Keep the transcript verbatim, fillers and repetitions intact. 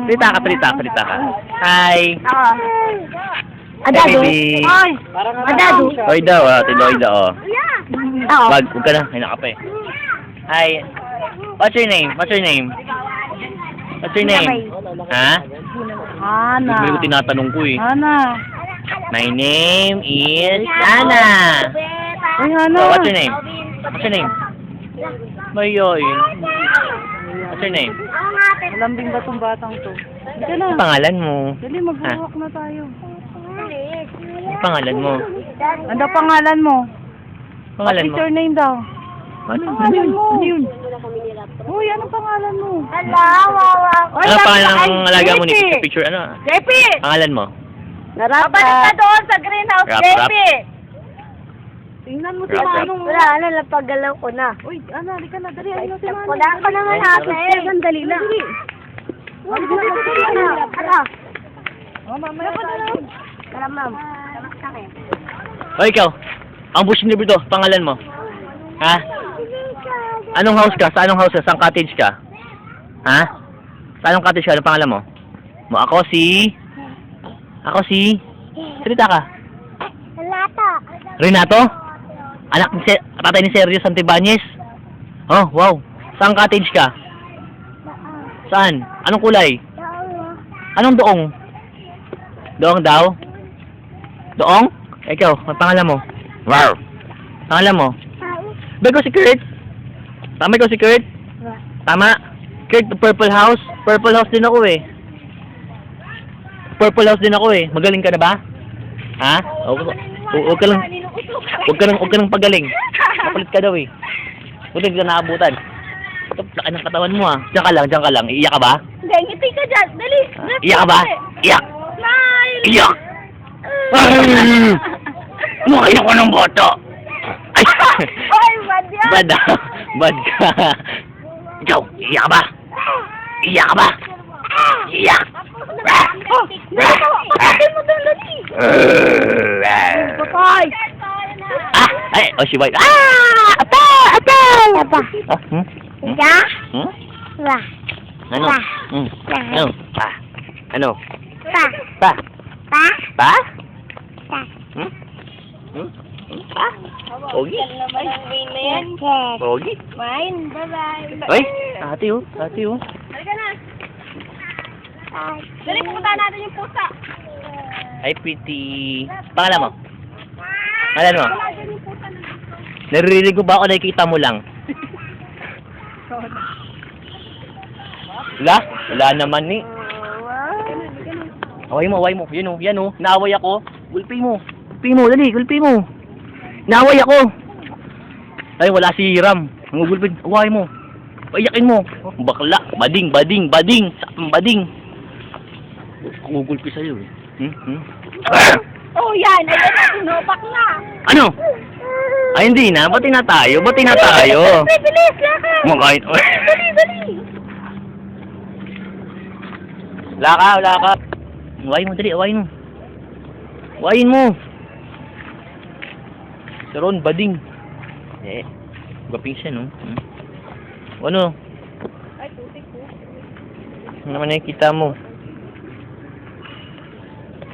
Salita ka, salita, salita ka. Hi. Oo. Hey, Adado. baby. Ay. Adado. Oy daw, ah. Tiloy daw, oh. Oo. Wag, huwag ka na. Ay, naka pa eh. Hi. What's your name? What's your name? What's your name? Ha? Ana. Hindi ko tinatanong ko eh. Ana. My name is Ana. Ay, Ana. So, what's your name? What's your name? Mayoy. What's your name? Malambing ba tong batang to? Hindi ka na. Ano pangalan mo? Dali, mag-walk na tayo. Ano pangalan mo? Ano pangalan mo? Pangalan What mo? is your name daw? Ano? Ano Pangalan yun? mo. Ano yun? Uy, anong pangalan mo? Hello, wawa. Ano pangalan ng alaga mo ni Picture Picture? Ano? Jepi! Pangalan mo? Babalik ka doon sa greenhouse, Rap, Jepi! Tingnan mo si Rap, rap. Manong. Wala, ano, napagalaw ko na. Uy, ano, halika na. Dali, ayun si Manong. Wala ka naman natin. Dali na. Huwag mo na. Ano? Oh, mamaya tayo. Tara, ma'am. O ikaw, ang bush ni Brito, pangalan mo? Ha? Anong house ka? Sa anong house ka? Saan cottage ka? Ha? Sa anong cottage ka? Anong pangalan mo? Mo ako si... Ako si... Salita ka. Lata. Renato? Anak ni Se... Tatay ni Sergio Santibanez? Oh, wow. Saan cottage ka? Saan? Anong kulay? Anong doong? Doong daw? Doong? Ikaw, ang pangalan mo? Wow. Pangalan mo? Ba ko si Kurt? Tama ko si Kurt? Tama? Kurt, Purple House? Purple House din ako eh. Purple House din ako eh. Magaling ka na ba? Ha? Huwag ka lang. Huwag ka lang, huwag ka lang pagaling. Makulit ka daw eh. Huwag ka naabutan. Laki ng katawan mo ah. Diyan ka lang, diyan ka lang. Iiyak ka ba? Hindi, ngiti ka dyan. Dali. Iyak ka ba? Iyak! Smile! Iyak! Ay! Lumaki ako ng boto! Ay! Oy, bad yan. Bad ah. Bad ka. Ikaw, iyak ka ba? Iyak ka ba? Iyak! Oh, dali mo. Kapatid mo doon, dali. Patay. Ah! Ay! Oh, si White. Ah! Ate! Ate! Apa? Ah, hmm? Hmm? Ika? Hmm? Wah. Ano? Hmm? Ano? Pa? Ano? Pa. Pa? Pa. Pa? Pa. Hmm? Hmm? Hmm? Pa? Pogi? naman ang win na yan. Pogi? Mine. Bye-bye. Ay! Ate oh. Ate oh. Halika na. Dali, pupunta natin yung pusa. Ay, pretty. Pangalan mo? Pangalan mo? Naririnig ko ba ako nakikita mo lang? Wala? Wala naman ni. Away mo, away mo. Yan o, yan o. Naaway ako. Gulpi mo. Gulpi mo, dali, gulpi mo. Naaway ako. Ay, wala si Hiram. Gulpi, away mo. Payakin mo. Bakla. Bading, bading, bading. Sakang bading. Gugulpi sa'yo eh. Hmm? Hmm? Oh, yan. Ayan na, tinopak na. Ano? Ay, hindi na. Bati na tayo. Bati na tayo. Bilis, bilis, lakad. Makain. Dali, dali. Wala ka, wala ka. Awayin mo, dali. Awayin mo. Awayin mo. Si Ron, bading. Eh, gaping siya, no? Hmm? Ano? Ay, tutik po. Ano naman nakikita mo?